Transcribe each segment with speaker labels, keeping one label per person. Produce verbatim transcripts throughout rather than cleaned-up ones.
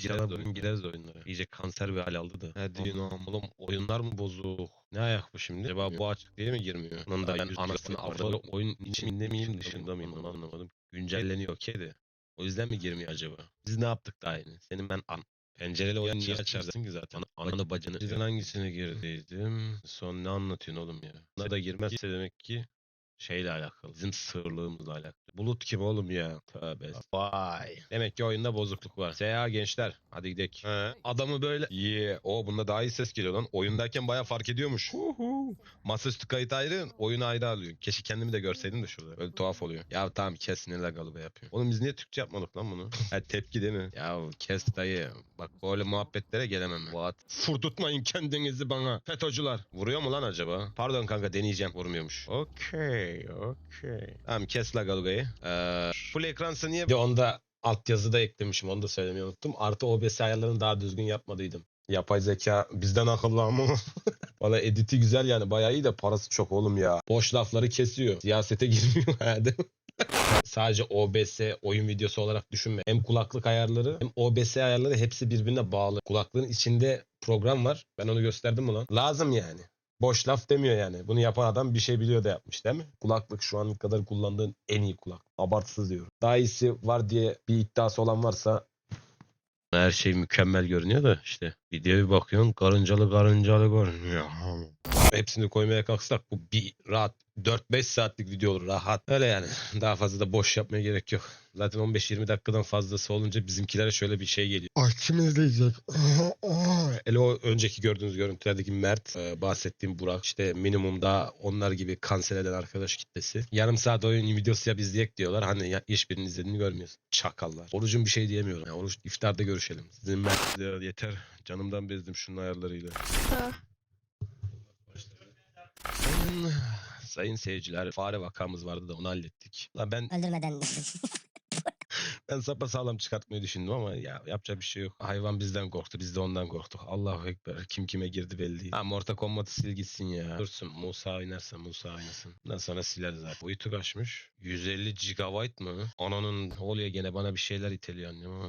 Speaker 1: gireriz oyun gireriz oyunlara. İyice kanser bir hal aldı da. Hadi yine oğlum oyunlar mı bozuk? Ne ayak bu şimdi? Acaba bu açık diye mi girmiyor? Onun da ben anasını avralı oyun içinde miyim dışında mıyım onu anlamadım. Güncelleniyor kedi. O yüzden mi girmiyor acaba? Biz ne yaptık daha yeni? Senin ben an pencereli oyun niye açarsın ki zaten? Ananı bacını. Sizin hangisine girdiydim? Son ne anlatıyorsun oğlum ya? Buna da girmezse demek ki şeyle alakalı. Bizim sığırlığımızla alakalı. Bulut kim oğlum ya? Tövbe. Vay. Demek ki oyunda bozukluk var. Seha gençler. Hadi gidelim. He. Adamı böyle. Yeah. O bunda daha iyi ses geliyor lan. Oyundayken baya fark ediyormuş. Huhu. Masaüstü kayıt ayrı. Oyunu ayrı alıyor. Keşke kendimi de görseydim de şurada. Böyle tuhaf oluyor. Ya tamam kes ne lagalı be yapıyor. Oğlum biz niye Türkçe yapmadık lan bunu? Ha tepki değil mi? Ya kes dayı. Bak böyle muhabbetlere gelemem. What? Furdutmayın kendinizi bana. FETÖ'cüler. Vuruyor mu lan acaba? Pardon kanka deneyeceğim. Vurmuyormuş. Okey. Okey. Tamam kes lagalugayı. Ee, full ekransa niye? Bir onda altyazı da eklemişim. Onu da söylemeyi unuttum. Artı O B S ayarlarını daha düzgün yapmadıydım. Yapay zeka bizden akıllı ama. Valla editi güzel yani. Bayağı iyi de parası çok oğlum ya. Boş lafları kesiyor. Siyasete girmiyor herhalde. Sadece O B S oyun videosu olarak düşünme. Hem kulaklık ayarları hem O B S ayarları hepsi birbirine bağlı. Kulaklığın içinde program var. Ben onu gösterdim mi lan? Lazım yani. Boş laf demiyor yani. Bunu yapan adam bir şey biliyor da yapmış değil mi? Kulaklık şu an kadar kullandığın en iyi kulak. Abartısız diyorum. Daha iyisi var diye bir iddiası olan varsa her şey mükemmel görünüyor da işte videoya bir bakıyorsun karıncalı karıncalı görünüyor. Hepsini koymaya kalksak bu bir rahat dört beş saatlik video olur rahat. Öyle yani. Daha fazla da boş yapmaya gerek yok. Zaten on beş yirmi dakikadan fazlası olunca bizimkilere şöyle bir şey geliyor. Ay kim izleyecek? Hele o önceki gördüğünüz görüntülerdeki Mert, e, bahsettiğim Burak, işte minimumda onlar gibi kanser eden arkadaş kitlesi. Yarım saat oyun videosu yap izleyek diyorlar. Hani ya, hiçbirinin izlediğini görmüyorsun. Çakallar. Orucun bir şey diyemiyorum. Yani oruç iftarda görüşelim. Sizin Mert ya, yeter. Canımdan bezdim şunun ayarlarıyla.
Speaker 2: Ha.
Speaker 1: Sayın, sayın seyirciler, fare vakamız vardı da onu hallettik. Lan ben
Speaker 3: Öldürmeden.
Speaker 1: ben sapasağlam çıkartmayı düşündüm ama ya yapacak bir şey yok. Hayvan bizden korktu, biz de ondan korktuk. Allahu Ekber. Kim kime girdi belli değil. Ha Mortal Kombat'ı sil gitsin ya. Dursun. Musa oynarsa Musa oynasın. Ondan sonra siler zaten. Boyutu kaçmış? yüz elli gigabayt mı? Ananın oluyor gene bana bir şeyler iteliyor annem ama.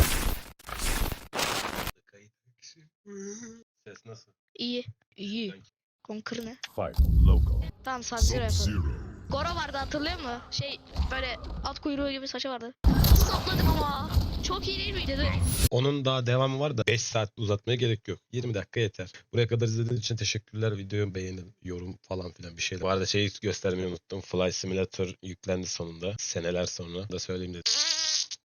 Speaker 1: Ses nasıl?
Speaker 2: İyi. İyi. Conquer ne?
Speaker 4: Fight local.
Speaker 2: Tamam Sub-Zero yapalım.
Speaker 4: Sub-Zero.
Speaker 2: Goro vardı hatırlıyor musun? Şey böyle at kuyruğu gibi saçı vardı. Sapladım ama. Çok iyi değil miydi?
Speaker 1: Onun daha devamı var da beş saat uzatmaya gerek yok. yirmi dakika yeter. Buraya kadar izlediğiniz için teşekkürler. Videoyu beğenin, yorum falan filan bir şeyler. Bu arada şeyi göstermeyi unuttum. Fly Simulator yüklendi sonunda. Seneler sonra da söyleyeyim dedim.